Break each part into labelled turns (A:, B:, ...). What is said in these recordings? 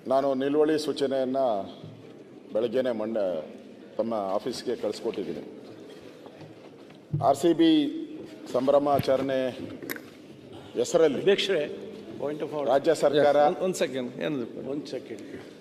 A: ನಾನು ನಿಲುವಳಿ ಸೂಚನೆಯನ್ನು ಬೆಳಗ್ಗೆನೇ ತಮ್ಮ ಆಫೀಸ್ಗೆ ಕಳಿಸ್ಕೊಟ್ಟಿದ್ದೀನಿ. RCB ಸಂಭ್ರಮಾಚರಣೆ ಹೆಸರಲ್ಲಿ
B: ಅಧ್ಯಕ್ಷರೇ, ಪಾಯಿಂಟ್ ಆಫ್ ಆರ್ಡರ್.
A: ರಾಜ್ಯ ಸರ್ಕಾರ
C: ಒಂದು ಸೆಕೆಂಡ್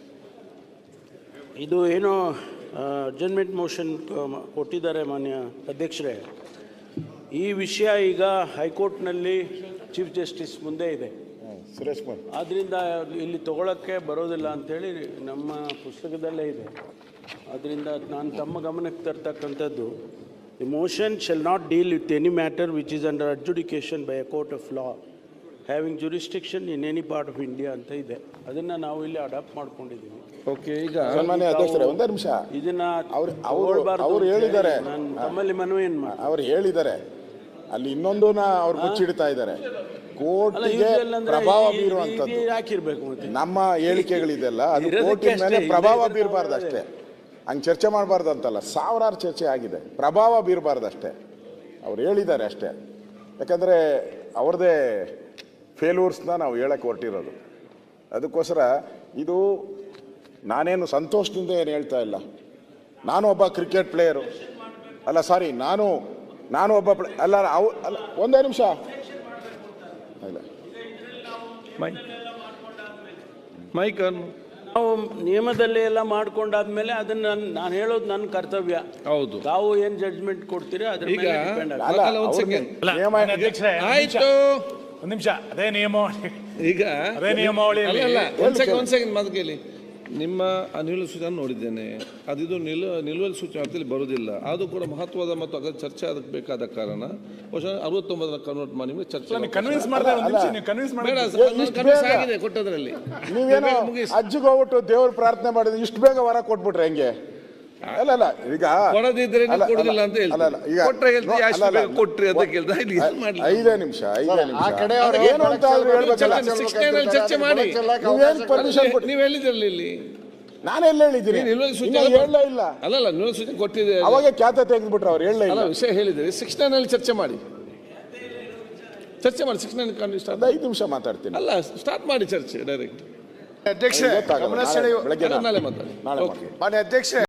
B: ಇದು ಏನೋ ಅಡ್ಜರ್ನ್ಮೆಂಟ್ ಮೋಷನ್ ಕೊಟ್ಟಿದ್ದಾರೆ ಮಾನ್ಯ ಅಧ್ಯಕ್ಷರೇ. ಈ ವಿಷಯ ಈಗ ಹೈಕೋರ್ಟ್ನಲ್ಲಿ ಚೀಫ್ ಜಸ್ಟಿಸ್ ಮುಂದೆ ಇದೆ.
A: ಸುರೇಶ್ ಕುಮಾರ್,
B: ಆದ್ದರಿಂದ ಇಲ್ಲಿ ತಗೊಳ್ಳೋಕ್ಕೆ ಬರೋದಿಲ್ಲ ಅಂಥೇಳಿ ನಮ್ಮ ಪುಸ್ತಕದಲ್ಲೇ ಇದೆ. ಆದ್ದರಿಂದ ನಾನು ತಮ್ಮ ಗಮನಕ್ಕೆ ತರ್ತಕ್ಕಂಥದ್ದು, the motion shall not deal with any matter which is under adjudication by a court of law having jurisdiction in any part of India ಅಂತ ಇದೆ. ಅದನ್ನು ನಾವು ಇಲ್ಲಿ ಅಡಾಪ್ಟ್ ಮಾಡ್ಕೊಂಡಿದ್ದೀವಿ.
C: ಓಕೆ, ಈಗ
A: ಸನ್ಮಾನ್ಯ ಅಧ್ಯಕ್ಷರೇ ಒಂದೇ ನಿಮಿಷ.
B: ಇದನ್ನು
A: ಅವರು ಹೇಳಿದ್ದಾರೆ,
B: ನಾನು ತಮ್ಮಲ್ಲಿ ಮನವಿ ಏನು ಮಾಡಿ,
A: ಅವರು ಹೇಳಿದ್ದಾರೆ, ಅಲ್ಲಿ ಇನ್ನೊಂದು ಅವ್ರು ಮುಚ್ಚಿಡ್ತಾ ಇದ್ದಾರೆ. ಕೋರ್ಟಿಗೆ ಪ್ರಭಾವ ಬೀರುವಂಥದ್ದು
B: ಹಾಕಿರ್ಬೇಕು. ಮತ್ತೆ
A: ನಮ್ಮ ಹೇಳಿಕೆಗಳಿದೆಲ್ಲ ಅದು ಕೋರ್ಟಿನ ಮೇಲೆ ಪ್ರಭಾವ ಬೀರಬಾರ್ದು ಅಷ್ಟೇ. ಹಂಗೆ ಚರ್ಚೆ ಮಾಡಬಾರ್ದು ಅಂತಲ್ಲ, ಸಾವಿರಾರು ಚರ್ಚೆ ಆಗಿದೆ. ಪ್ರಭಾವ ಬೀರಬಾರ್ದು ಅಷ್ಟೇ, ಅವ್ರು ಹೇಳಿದ್ದಾರೆ ಅಷ್ಟೇ. ಯಾಕಂದರೆ ಅವ್ರದ್ದೇ ಫೇಲ್ಯೂರ್ಸ್ನ ನಾವು ಹೇಳಕ್ಕೆ ಹೊರಟಿರೋದು. ಅದಕ್ಕೋಸ್ಕರ ಇದು ನಾನೇನು ಸಂತೋಷದಿಂದ ಏನು ಹೇಳ್ತಾ ಇಲ್ಲ. ನಾನು ಒಬ್ಬ ಕ್ರಿಕೆಟ್ ಪ್ಲೇಯರು ಅಲ್ಲ, ಸಾರಿ, ನಾನು ಒಬ್ಬ ಅಲ್ಲ ಒಂದೇ ನಿಮಿಷ ಇಲ್ಲ,
C: ಮೈಕ್
B: ನಾವು ನಿಯಮದಲ್ಲಿ ಎಲ್ಲ ಮಾಡ್ಕೊಂಡಾದ್ಮೇಲೆ ಅದನ್ನ ನಾನು ಹೇಳೋದು ನನ್ನ ಕರ್ತವ್ಯ.
C: ಹೌದು,
B: ತಾವು ಏನು ಜಡ್ಜ್ಮೆಂಟ್ ಕೊಡ್ತೀರಾ ಅದ್ರ
C: ಈಗ
B: ಮೇಲೆ ಡಿಪೆಂಡ್ ಆಗುತ್ತೆ.
A: ಅಲ್ಲ,
C: ಒಂದು ಸೆಕೆಂಡ್
D: ಆಯ್ತು, ಒಂದು ನಿಮಿಷ. ಅದೇ ನಿಯಮಾವಳಿ,
C: ಈಗ
D: ಅದೇ ನಿಯಮಾವಳಿಯಲ್ಲಿ
C: ಒಂದು ಸೆಕೆಂಡ್ ಮಾತು ಕೇಳಿ. ನಿಮ್ಮ ನಿಲುವಳಿ ಸೂಚನೆ ನೋಡಿದ್ದೇನೆ, ಅದಿದು ನಿಲುವಳಿ ಸೂಚನೆ ಅರ್ಥದಲ್ಲಿ ಬರೋದಿಲ್ಲ. ಅದು ಕೂಡ ಮಹತ್ವದ ಮತ್ತು ಅದರ ಚರ್ಚೆ ಅದಕ್ಕೆ ಬೇಕಾದ ಕಾರಣ ಬಹುಶಃ 69 ಕನ್ವರ್ಟ್ ಮಾಡಿ ನಿಮಗೆ ಚರ್ಚೆ
D: ಕನ್ವಿನ್ಸ್
C: ಬೇಡ. ಕನ್ವಿನ್ಸ್ ಆಗಿದೆ ಕೊಟ್ಟದ್ರಲ್ಲಿ.
A: ನೀವೇನೋ ಅಜ್ಜಿಗೆ ಹೋಗ್ಬಿಟ್ಟು ದೇವ್ರ ಪ್ರಾರ್ಥನೆ ಮಾಡಿದ್ರೆ ಇಷ್ಟು ಬೇಗ ವರ ಕೊಟ್ಬಿಟ್ರೆ ಹೆಂಗೆ? ಅಲ್ಲ, ಈಗ
C: ಕೊಡದಿದ್ರೆ ಕೊಡುದಿಲ್ಲ ಅಂತ ಹೇಳ್ತಾರೆ. ಕೊಟ್ರೆ ಹೇಳ್ತೀವಿ, ಅಷ್ಟು ಬೇಗ ಕೊಟ್ರಿ ಅಂತ ಕೇಳ್ತಾ ಇಲ್ಲಿ ಮಾಡ್ಲಿ.
A: 5 ನಿಮಿಷ ಏನು ಅಂತ ಹೇಳ್ಬೇಕಲ್ಲ.
C: 69 ಚರ್ಚೆ ಮಾಡಿ.
A: ನೀವೇನು ಪರ್ಮಿಷನ್ ಕೊಟ್ಟು
C: ನೀವು ಹೇಳಿದ್ರಲ್ಲ ಇಲ್ಲಿ,
A: ನಾನೆಲ್ಲ ಹೇಳಿದ್ದೀನಿ.
C: ನಿಲುವಳಿ ಸೂಚನೆ
A: ಹೇಳಲೇ ಇಲ್ಲ.
C: ಅಲ್ಲ, ನಿಲುವಳಿ ಸೂಚನೆ ಕೊಟ್ಟಿದೆ,
A: ಅವಾಗ ಖ್ಯಾತ ತೆಗೆದ್ಬಿಟ್ರೆ ಅವ್ರು ಹೇಳಲೇ ಇಲ್ಲ.
C: ವಿಷಯ ಹೇಳಿದ್ರೆ 69 ಚರ್ಚೆ ಮಾಡಿ 69 ಸ್ಟಾರ್ಟ್.
A: 5 ನಿಮಿಷ ಮಾತಾಡ್ತೀನಿ.
C: ಅಲ್ಲ, ಸ್ಟಾರ್ಟ್ ಮಾಡಿ ಚರ್ಚೆ ಡೈರೆಕ್ಟ್.
D: ಅಧ್ಯಕ್ಷ
A: ಬೆಳಗ್ಗೆ
C: ನಾಳೆ ಮಾತಾಡಿ.
A: ನಾಳೆ
D: ಮಾನ್ಯ ಅಧ್ಯಕ್ಷ